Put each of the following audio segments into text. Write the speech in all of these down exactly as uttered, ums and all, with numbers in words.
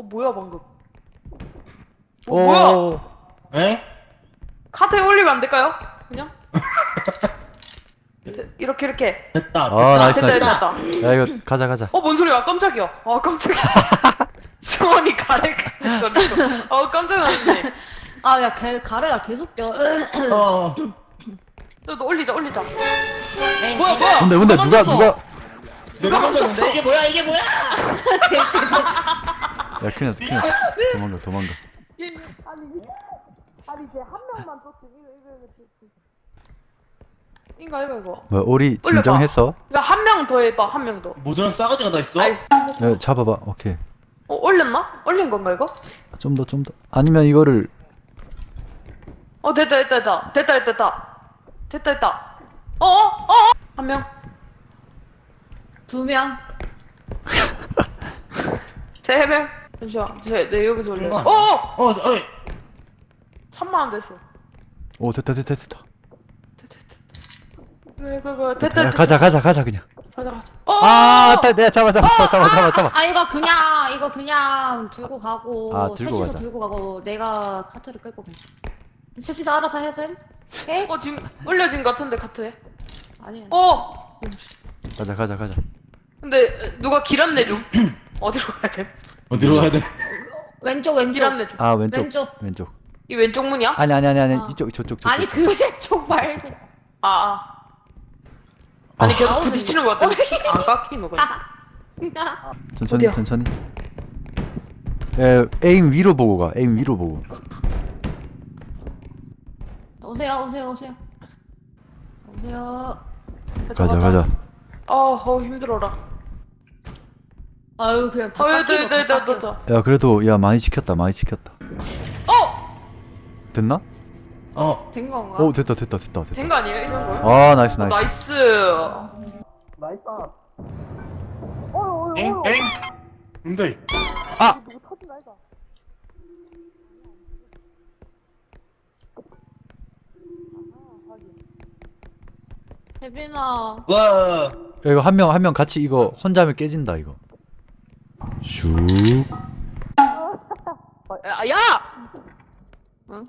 뭐야 방금? 어, 오. 뭐야? 에? 카트에 올리면 안 될까요? 그냥? 네, 이렇게 이렇게. 됐다. 됐다. 아, 나이스, 됐다 나이스. 됐다 됐다. 야 이거 가자 가자. 어, 뭔 소리야? 깜짝이야. 아, 깜짝이야. 승원이 가래 가래 소리가. 어, 깜짝 놀랐네. 아, 야, 개, 가래가 계속 껴. 어. 너, 너 올리자, 올리자. 에이, 뭐야, 뭐야? 근데 근데 누가 멈췄어. 누가 내가 멈췄어. 멈췄는데 이게 뭐야 이게 뭐야? 야 큰일 났다 큰일 났다. 도망가 도망가. 얘, 아니, 아니, 이제 한 명만 떴지. 이거, 이거, 이거. 이거, 이거, 이거. 뭐야 오리 진정했어? 그러니까 한 명 더 해봐, 한 명 더. 모자란 싸가지가 다 있어? 아이, 야 잡아봐. 오케이. 어, 올렸나? 올린 건가, 이거? 좀 더 좀 더. 아니면 이거를 어, 됐다, 됐다, 됐다. 됐다, 됐다, 됐다. 됐다, 됐다. 어, 어, 어? 한 명. 두 명. 세 명. 잠시만. 제, 내 여기서 올려. 이거 어! 어! 어, 어이. 삼만 원 됐어. 오 됐다 됐다 됐다. 됐다, 됐다. 이거, 이거, 이거. 됐다, 야, 됐다. 가자 가자 가자 그냥. 가자, 가자. 어! 아, 다, 내가 잡아 잡아 잡아 잡아 잡아 잡아. 아, 이거 그냥, 이거 그냥 들고 가고, 아, 들고 셋이서 가자. 들고 가고, 내가 카트를 끌고 가. 셋이서 알아서 해셈? 해? 어, 지금 올려진 것 같은데, 카트에. 아니야. 어! 가자 가자 가자. 근데, 누가 길 안내 좀. 어디로 가야 돼? 어디로 가야 돼? 왼쪽, 왼쪽. 길 안내 좀. 아 왼쪽 왼쪽. 왼쪽. 이 왼쪽 문이야? 아니 아니 아니 아니 어. 이쪽 저쪽 저쪽. 아니, 그 왼쪽 말고. 아, 아. 아니, 아. 계속 부딪히는 것 같은데. 안 깎이는 거야. 천천히 어디야? 천천히. 에 에임 위로 보고 가. 에임 위로 보고. 오세요, 오세요, 오세요. 오세요. 가자 가자. 아, 어, 힘들어라. 아유, 그냥 다 어, 깎이고, 됐다, 됐다, 다 됐다, 깎여. 됐다. 야 그래도 야 많이 시켰다 많이 시켰다. 어! 됐나? 어. 된 건가? 오 됐다 됐다 됐다 됐다. 된 거 아니에요? 이 정도? 아 나이스 어, 나이스. 나이스. 나이스. 엥? 엥? 근데 아 혜빈아. 와. 야, 이거 한 명 한 명 같이 이거 혼자 하면 깨진다 이거. 슉. 어, 야! 야! 응?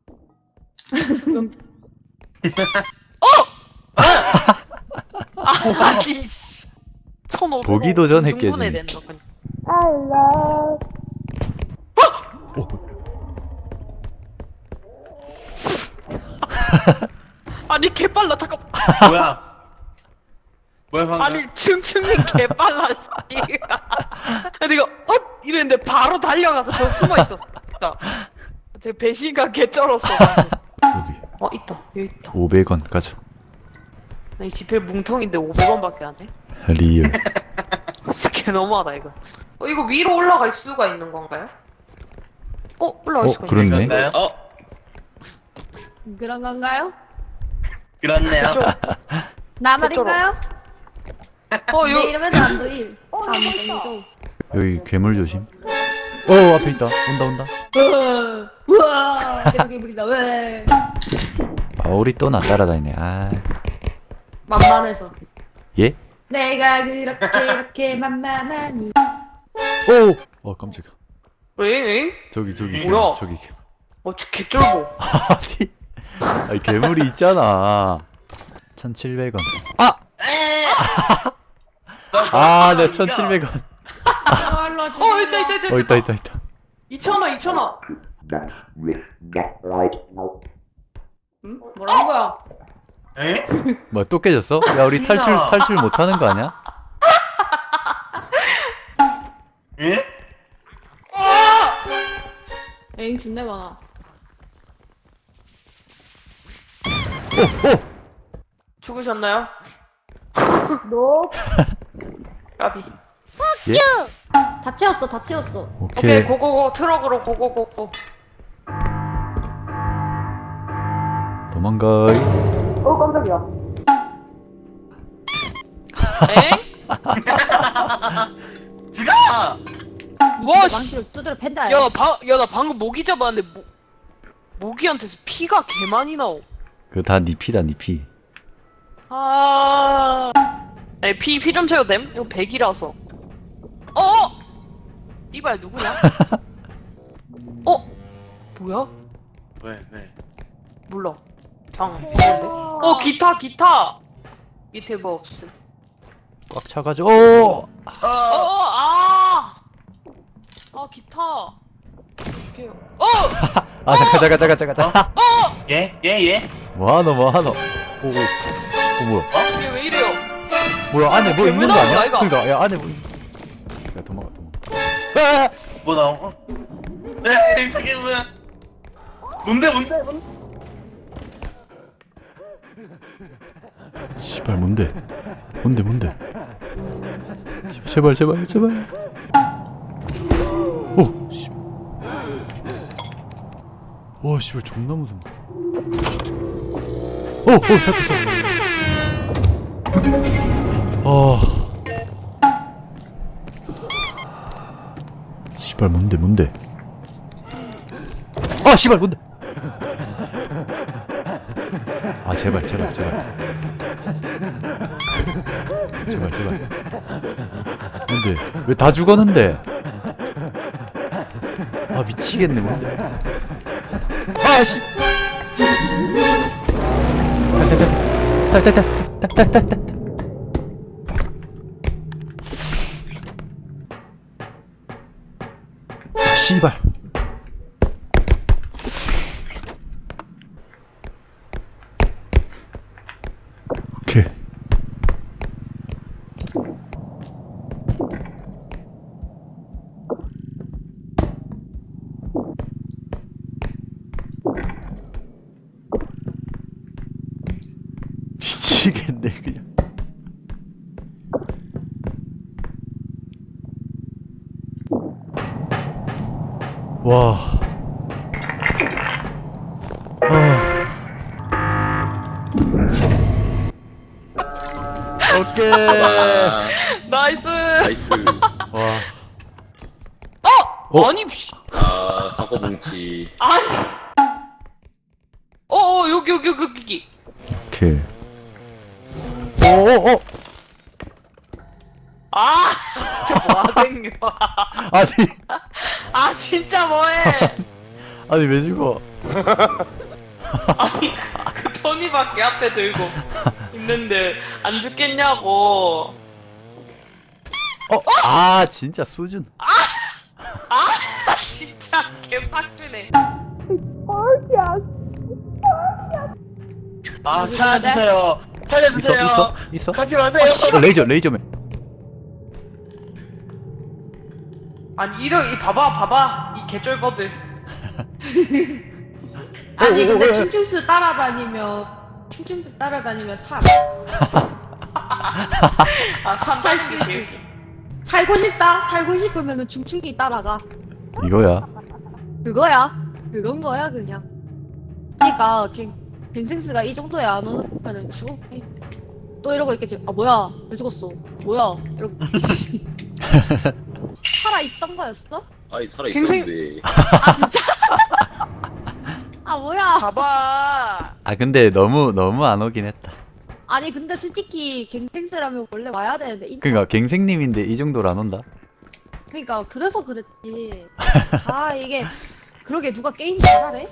어! 아니, 씨. 천오백 원 보기도 전에 충분해 깨지네. 된다, 그냥. 오. 아니, 개빨라, 잠깐. 뭐야? 뭐야 방금? 아니, 층층이 개빨라, 씨. 내가, 어? 이랬는데 바로 달려가서 저 숨어 있었어. 진짜. 제 배신감 개쩔었어. 여기 어, 있다. 여기 있다. 오백 원 가자. 이 지폐 뭉텅인데 오백 원밖에 안 해? 리얼. 개 너무하다, 이거. 어, 이거 위로 올라갈 수가 있는 건가요? 어, 올라갈 어, 수가 그렇네. 있네. 어. 그런 건가요? 그렇네요. 나 말인가요? 어, 내 이거. 이름은 남도일. 남도일죠. 여기 괴물 조심. 오 앞에 있다. 온다 온다. 우와, 내가 괴물이다. 왜? 아 우리 또 나 따라다니네. 아 만만해서. 예? 내가 그렇게 이렇게 만만하니. 오. 어 깜짝이야. 왜, 왜? 저기 저기 뭐야? 괴물, 저기 괴물. 어, 저 개쫄보. 아니 아니 괴물이 있잖아. 천칠백 원. 아! 아, 내 천칠백 원. 저걸로 어, 있다, 있다, 있다. 어 있다 있다 있다. 이천 원, 이천 원. 응? 뭐라는 거야? 에? 뭐야 또 깨졌어? 야 우리 탈출 탈출 못 하는 거 아니야? 에? 에잉 준내 많아. 오! 오! 죽으셨나요? 노. 까비. 예? 다 채웠어, 다 채웠어. 오케이. 오케이, 고고고. 트럭으로 고고고고. 도망가. 어, 깜짝이야. 엥? 지가! 와, 와, 씨. 망치를 두드려 팬다. 야, 방, 야, 나 방금 모기 잡았는데, 모, 모기한테서 피가 개 많이 나오. 그거 다 니 피다 니 피. 아. 아니, 피, 피 좀 채워도 됨? 이거 백이라서. 어! 띠발 누구냐? 어? 뭐야? 왜 왜? 몰라. 방 있는데. 어 기타 기타. 밑에 뭐 없음. 꽉 차가지고 오! 어, 어 아. 아 기타. 이렇게. 어. 아 잠깐 잠깐 잠깐 잠깐 잠깐 예? 예? 예? 뭐하노 뭐하노 오오 어 뭐야 이게 왜 이래요? 뭐야 안에 뭐 괴물 있는 거 나오는 거 아니야? 아이가? 그니까 야 안에 뭐 있... 야 도망가 도망가 아! 뭐 나온 거? 에이 저게 뭐야? 뭔데 뭔데 뭔데? 씨발 뭔데 뭔데 뭔데 제발 제발 제발 오 씨발 와 씨발 존나 무서워 오오 잡혔어 아 씨발 뭔데 뭔데 아 씨발 뭔데 아 제발 제발 제발 제발 제발 뭔데 왜 다 죽었는데 아 미치겠네 뭔데 아씨 탈탈탈탈탈탈탈탈탈탈 아 씨발 오케이 미치겠네 그냥 와 아. 오케이 아, 나이스. 나이스. 와 어? 어? 아니 씨. 아, 사고 뭉치. 아니. 어어 여기 여기 여기 여기. 오케이 오오오 아 진짜 뭐하생겨. 아니 아 진짜 뭐해. 아니 왜 죽어 아니 그 토니밖에 앞에 들고 있는데 안 죽겠냐고. 어? 아 진짜 수준 아 진짜 개빡치네. 아 살려주세요. 있어 살려주세요. 있어 있어 가지 마세요. 어, 레이저 레이저맨 아니 이런 이 봐봐 봐봐 이 개쩔거들. 아니 오, 근데 오, 오, 충충수 따라다니면 충충수 따라다니면 살 아 살 수 삼백이 있어. 살고 싶다 살고 싶으면은 충충이 따라가 이거야 그거야 그건 거야 그냥. 그러니까 갱 갱생스가 이 정도에 안 오면은 죽어. 또 이러고 있겠지. 아 뭐야 왜 죽었어 뭐야 이러고 살아 있던 거였어? 아이, 갱생- 살아있었는데. 아 진짜? 아 뭐야? 봐봐. 아 근데 너무 너무 안 오긴 했다 아니 근데 솔직히 갱생스라면 원래 와야 되는데 인... 그니까 갱생님인데 이 정도로 안 온다 그러니까 그래서 그랬지. 아 이게 그러게 누가 게임 잘하래?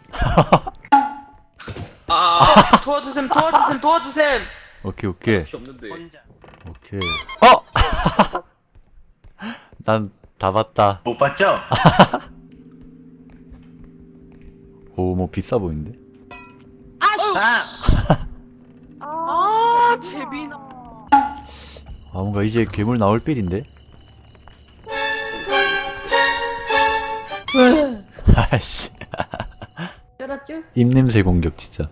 아, 도와주셈 도와주셈 도와주셈. 오케이 오케이 필요 없는데. 혼자 오케이 어! 난 다 봤다 못 봤죠? 오 뭐 비싸 보이는데 아씨. 아 아 재빈아. 아 뭔가 이제 괴물 나올 빌인데 왜? 아씨 쩔었쥬? 입냄새 공격 진짜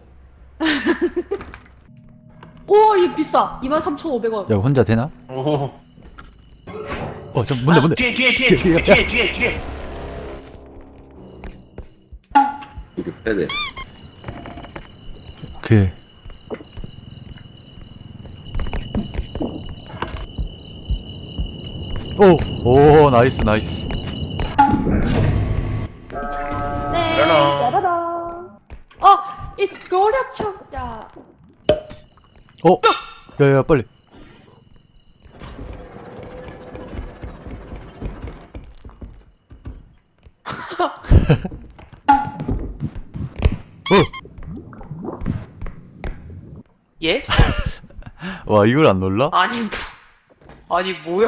오얘 비싸. 이만 삼천오백 원. 야 혼자 되나? 오. 어저 뭔데 아, 뭔데 뒤에 뒤에 뒤에 뒤에 뒤에 뒤에 뒤에. 이거 빼야 돼. 오케이 오! 오 나이스 나이스 네. 그러나. 어, it's 고려청. 야. 어? 야야 빨리 예? 와 이걸 안 놀라? 아니 뭐- 아니 뭐야?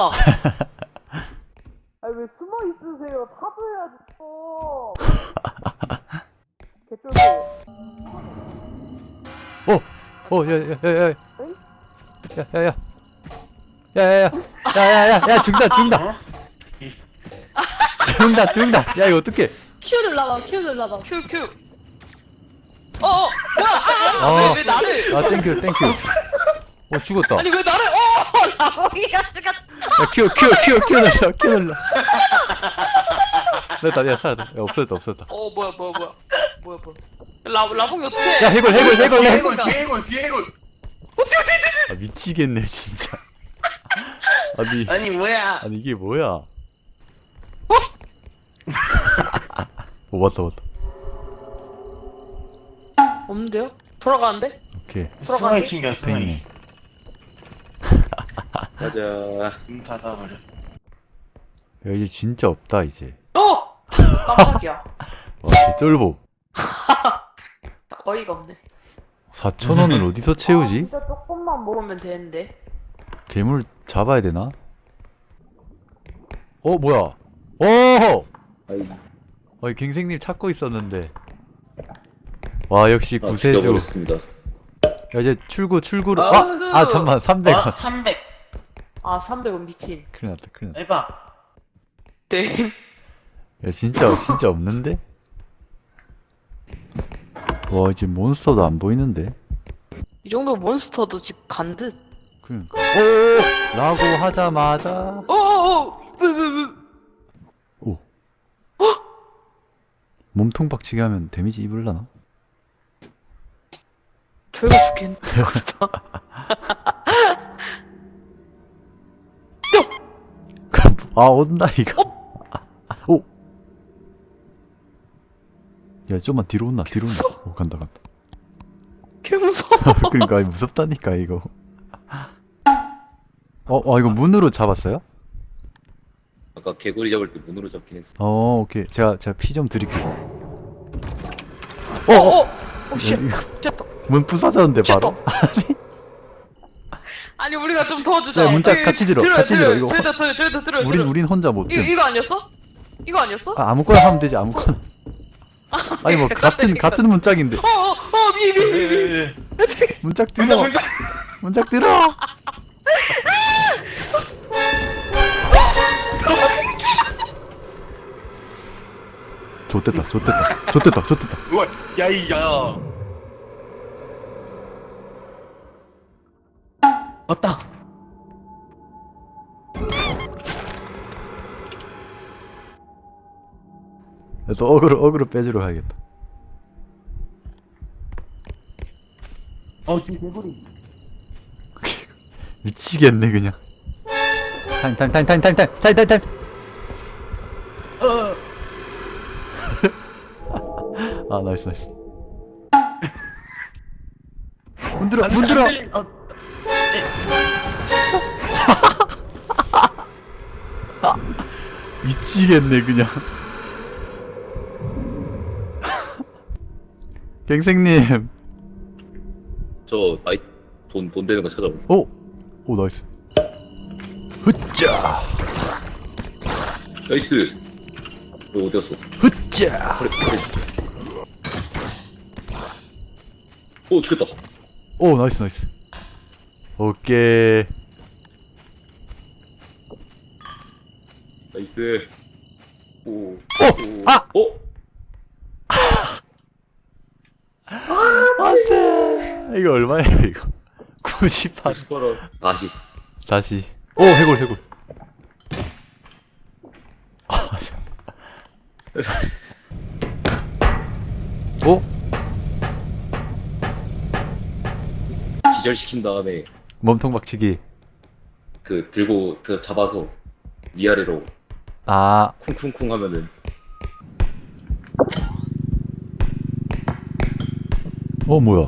아니 왜 숨어 있으세요? 사도해야지 또. 개쫄보. 어! 어, 야, 야, 야, 야. 야, 야, 야. 야, 야, 야. 야, 야, 야, 야, 죽는다, 죽는다. 어? 죽는다, 죽는다. 야, 이거 어떡해. 큐 눌러봐 큐 눌러봐. 큐 큐. 어, 어, 뭐야? 아, 어. 왜, 왜 나를? 아, 땡큐, 땡큐. 어, 죽었다. 아니 왜 나를? 어, 라봉이가 죽었. 야, 큐, 큐, 큐, 큐 눌러, 큐 눌러. 됐다, 야, 살았다. 야, 없어졌다, 없어졌다. 어, 뭐야, 뭐야, 뭐야, 뭐야, 뭐야? 라 라봉이 어떻게? 야, 해골, 해골, 해골, 뒤에 해골. 해골 뒤에 해골 뒤에 해골. 아, 미치겠네, 진짜. 아니, 아니 뭐야? 아니, 이게 뭐야. 어? 오, 왔다, 왔다. 없는데요? 돌아가는데? 오케이. 승환이 챙겨 승환이. 팽이네. 가자. 문 닫아버려. 야, 이제 진짜 없다, 이제. 어! 깜짝이야. 와, 개쫄보. 어이가 없네. 사천 원을 어디서 채우지? 진짜 조금만 먹으면 되는데. 괴물 잡아야 되나? 어, 뭐야? 오! 아이, 어, 갱생님 찾고 있었는데. 와, 역시 아, 구세주. 죽여버렸습니다. 야, 이제 출구, 출구로. 아, 아! 아, 잠깐만, 삼백 원. 어 삼백. 아, 삼백 원 미친. 큰일 났다, 큰일 났다. 해봐. 땡. 야, 진짜, 진짜 없는데? 와, 이제 몬스터도 안 보이는데? 이 정도 몬스터도 집 간 듯. 그러니까. 오! 라고 하자마자. 어어어! 왜, 왜, 왜? 오. 몸통 박치기 하면 데미지 입을라나? 저희가 죽겠는데, 그러다. 그럼, 아, 온다, 이거. 오! 야, 좀만 뒤로 온나, 뒤로 온나. 오, 간다, 간다. 개 무서워. 그러니까 무섭다니까 이거. 어, 어 이거 문으로 잡았어요? 아까 개구리 잡을 때 문으로 잡긴 했어. 어, 오케이. 제가 제가 피 좀 드릴게요. 어, 어! 오, 씨. 이거 됐다. 문 부서졌는데 바로. 아니, 우리가 좀 도와주자. 야, 문짝 여기 같이 들어, 들어요, 같이 들어, 들어요. 이거. 저희도 들어요, 저희도 들어요. 우린 들어요. 우린 혼자 못 이거, 돼. 이거 아니었어? 이거 아니었어? 아, 아무거나 하면 되지 아무거나. 아니 뭐 같은 같은 문짝인데. 어, 어, 어, 미, 미, 미, 미. 예, 예. 문짝 들어. 문자 문자. 문짝 들어. 좋됐다, 좋됐다, 좋됐다, 좋됐다. 우와 야이 야. 왔다. 또 어그로 어그로 빼주러 가야겠다. 어 지금 개구리. 미치겠네 그냥. 타임 타임 타임 타임 타임 타임 타임 타임 타임. 어. 아 나이스 나이스. 문 들어 문 들어. 어. 미치겠네 그냥. 갱생님. 저 아이 돈 돈 되는 거 찾아오. 오, 오 나이스. 흐짜, 나이스. 너 어디 갔어? 흐짜. 그래 그래. 오 죽였다. 오 나이스 나이스. 오케이. 나이스. 오. 오. 아! 어? 안돼. 이거 얼마예요 이거? 구십팔. 팔 원. 다시. 다시. 오 해골 해골. 아, 참. 오? 기절시킨 다음에 몸통 박치기. 그 들고 그 잡아서 위아래로 아, 쿵쿵쿵 하면은 어 뭐야?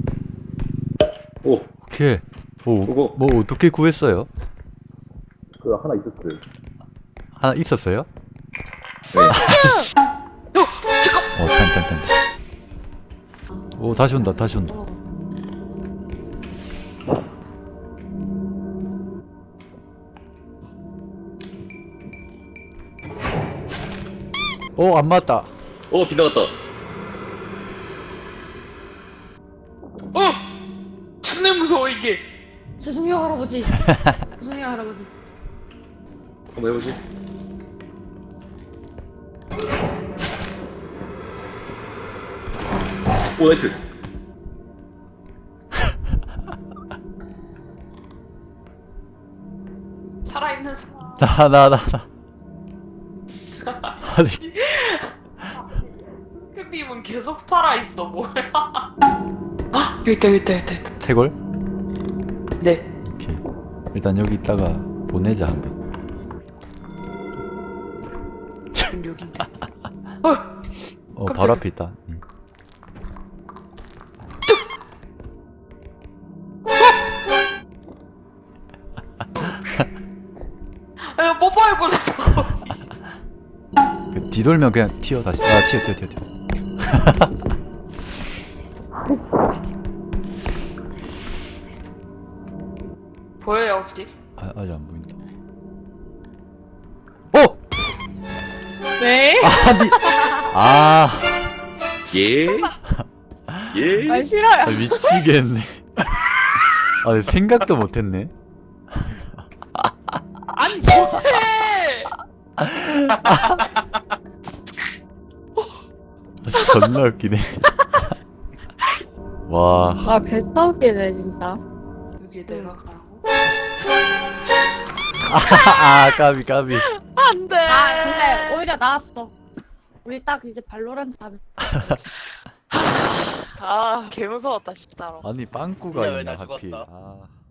오 오케이. 오, 그거. 뭐 어떻게 구했어요? 그거 하나 있었어요. 하나 있었어요? 어 잠깐. 어, 탄, 탄, 탄. 오, 다시 온다, 다시 온다. 어. 오, 안 맞다. 어 빗나갔다. 어. 존나 무서워 이게. 죄송해요 할아버지. 죄송해요 할아버지. 한번 해보지. 오 나이스. 살아있는 사람. 나, 나, 나, 나. 아니, 크림은 계속 살아있어 뭐야? 아 여기 있다 여기 있다 여기 있다. 태골? 네. 오케이. 일단 여기 있다가 보내자, 한 명. 지금 여기인데. 어. 어, 깜짝이야. 바로 앞에 있다. 응. 아 뽀뽀할 뻔했어. 그 뒤돌면 그냥 튀어, 다시. 아, 튀어, 튀어, 튀어, 튀어. 보여요 혹시? 아, 아직 안 보인다. 어! 왜? 아니, 아, 예? 예? 아 싫어요. 아, 미치겠네. 아, 생각도 못했네. 아니 뭐해? 존나 웃기네. 와, 아 개떡이네 진짜. 여기 내가 가라고? 아, 까비, 까비. 안돼. 아 근데 오히려 나았어. 우리 딱 이제 발로란트 하면. 아 개무서웠다 진짜로. 아니, 빵꾸가 근데 왜 있나, 나 하필. 죽었어? 아.